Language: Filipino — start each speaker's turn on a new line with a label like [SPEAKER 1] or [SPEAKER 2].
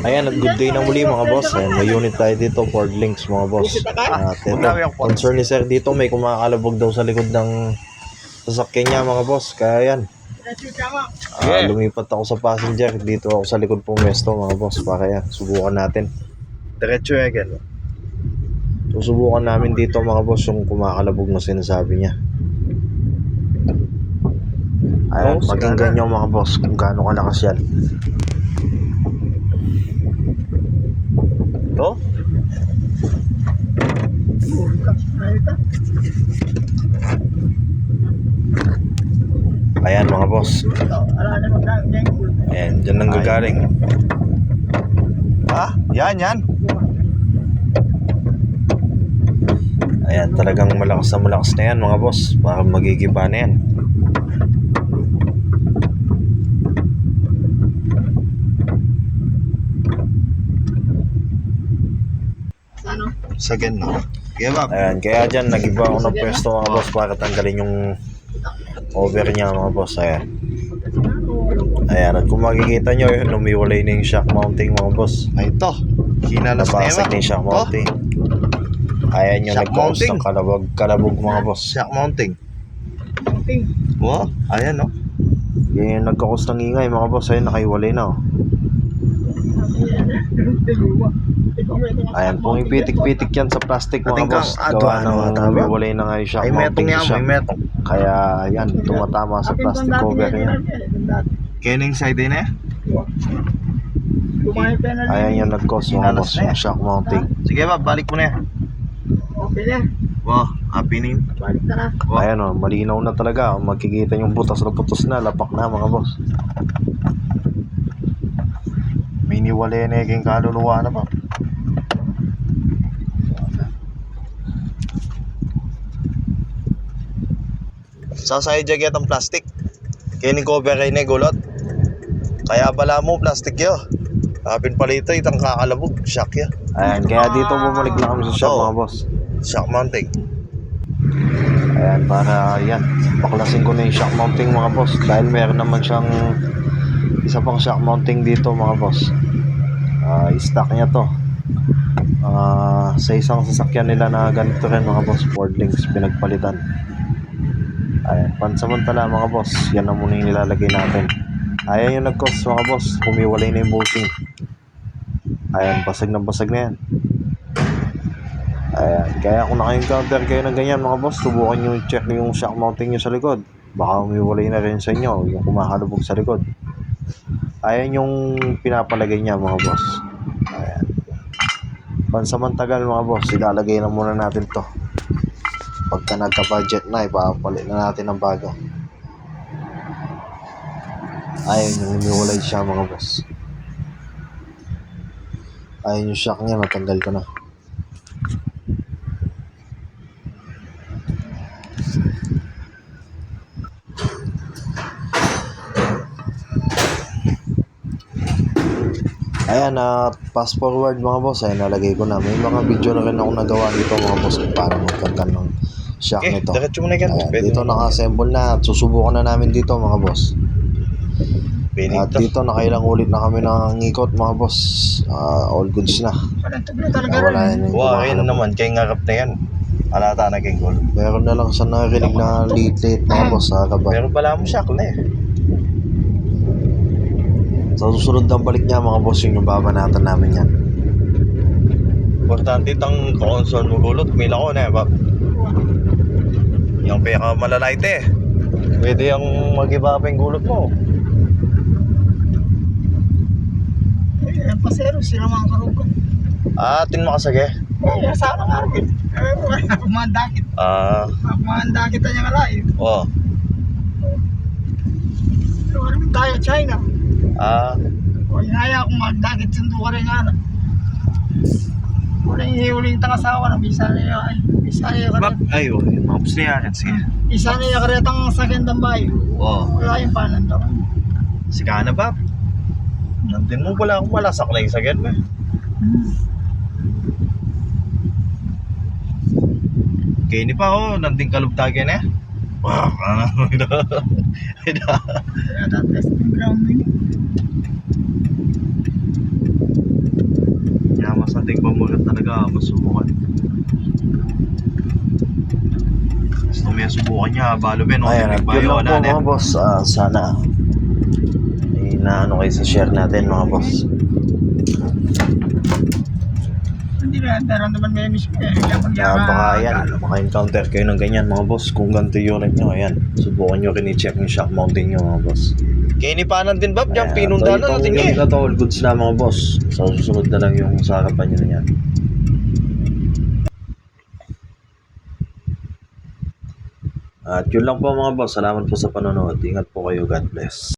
[SPEAKER 1] Ayan, at good day na muli mga boss. Ayan, may unit tayo dito, Ford Links mga boss. At ito, concern ni sir dito, may kumakalabog daw sa likod ng sasakyan niya mga boss. Kaya yan, lumipat ako sa passenger. Dito ako sa likod pumesto mga boss. Para yan, subukan natin. Diretso yan again. Susubukan namin dito mga boss yung kumakalabog na sinasabi niya. Ayan, pakinggan nyo mga boss kung gaano kalakas yan. Ito? Ayan mga boss. Ayan, dyan nang gagaling. Ah, yan. Ayan, talagang malakas na yan mga boss. Parang magigiba na yan. Sagad na. Ayan, kaya dyan nag-iba ako ng pwesto mga boss para tanggalin yung over niya mga boss. Ayan. Ayan, at kung makikita nyo yun, lumiwalay na yung shock mounting mga boss. Ay ito, kinalas na yun. Napasag na yung shock mounting. Ayan yung nag-cause ng kalabog mga boss. Shock mounting. Wow, ayan no. Yan yung nag-cause ng ingay mga boss. Ayan, nakaiwalay na oh. Ayan, kung ipitik-pitik yan sa plastic mga boss, gawa ng umiwalay na nga yung shock mounting siya. Kaya yan, tumatama sa plastic cover yan. Kening side din eh? Ayan yung nag-cause mga boss, yung shock mounting. Sige ba, balik mo na yan. Wow, happy na yun. Ayan o, malinaw na talaga. Makikita yung butas na lapak na mga boss. May niwalay na yung kaluluwa na pa. Sasaya jaget ang plastic. Kini cover kayo na gulot. Kaya bala mo plastic yo. Kapin pala ito itang kakalabog. Shock ya. Ayan, kaya dito bumalik na kami sa shop mga boss. Shock mounting. Ayan, para yan, baklasin ko na yung shock mounting mga boss. Dahil meron naman siyang isa pang shock mounting dito mga boss. I-stock niya to. Sa isang sasakyan nila na ganito rin mga boss, Ford Links, pinagpalitan. Ayan, pansamantala mga boss, yan na muna yung nilalagay natin. Ayan yung nag-cause mga boss, humiwalay na yung bolting. Ayan, basag na yan. Ayan, kaya kung naka-encounter kayo ng ganyan mga boss, subukan nyo i-check yung shock mounting nyo sa likod. Baka humiwalay na rin sa inyo, yung kumakalubog sa likod. Ayan yung pinapalagay niya mga boss. Ayan. Pansamantagal mga boss, ilalagay na muna natin to. Pagka nagka-budget na, ipapalit na natin ng bago. Ayan yung humiwalay siya mga boss. Ayan yung shock niya, natanggal ko na. Ayan, fast forward mga boss, ay nalagay ko na. May mga video na rin ako nagawa dito mga boss kung paano magkanta ng shock nito. Ayan, dito naka-assemble na at susubukan na namin dito mga boss. At dito nakailang ulit na kami ng ikot mga boss. All goods na. Wala na yung
[SPEAKER 2] ayun naman, kay ngarap na yan. Alata na kay goal.
[SPEAKER 1] Meron na lang sa narinig na late mga boss sa kaban.
[SPEAKER 2] Pero pala mo shock na eh.
[SPEAKER 1] Sa susunod ng balik niya mga boss, yung babanatan namin yan.
[SPEAKER 2] Importante itang console mo gulot, mila ko na eh, Bob. Yung peka malalait eh. Pwede yung mag-iba pa yung gulot mo.
[SPEAKER 3] Eh, pasero, sila mga karugo.
[SPEAKER 2] Tin makasage?
[SPEAKER 3] Sana nga rin. Pagmandakit. Pagmandakit na niya nga layo.
[SPEAKER 2] Oo.
[SPEAKER 3] Pero ano yung tayo, China? O, inaya akong magdakit sundo ka rin nga na. Wala yung hiuling tangasawa na bisa niya ay. Bisa niya ka rin.
[SPEAKER 2] Ay, mga pus niya akin, sige.
[SPEAKER 3] Isa niya ka rin ang sakyan ng bayo.
[SPEAKER 2] Oo.
[SPEAKER 3] Wala yung panan daw.
[SPEAKER 2] Sige na ba? Nandun mo pala akong malasak na yung sagad ba? Kaya ni pa ako, nandun kalubtagyan eh. Wow,
[SPEAKER 3] Kaya testing ground mo yun.
[SPEAKER 2] nating pamulat talaga, masubukan. Gusto mo yung subukan niya, balo Ben, no?
[SPEAKER 1] Ayan, at yun
[SPEAKER 2] Bayo,
[SPEAKER 1] lang po
[SPEAKER 2] wala na.
[SPEAKER 1] mga boss. Sana inaano kayo sa share natin mga boss.
[SPEAKER 3] Hindi na, naman may miss ko eh.
[SPEAKER 1] Baka yan, maka-encounter kayo ng ganyan mga boss. Kung ganito yung unit nyo, ayan. Subukan nyo rin i-check yung shock mounting nyo mga boss.
[SPEAKER 2] Kinipanan din, Bob, dyan,
[SPEAKER 1] Ayan,
[SPEAKER 2] pinundahan
[SPEAKER 1] so
[SPEAKER 2] na natin
[SPEAKER 1] itong
[SPEAKER 2] niya.
[SPEAKER 1] unit na to, all goods na mga boss. So susunod na lang yung sa harapan nyo na yan. At yun lang po mga boss. Salamat po sa panonood. Ingat po kayo. God bless.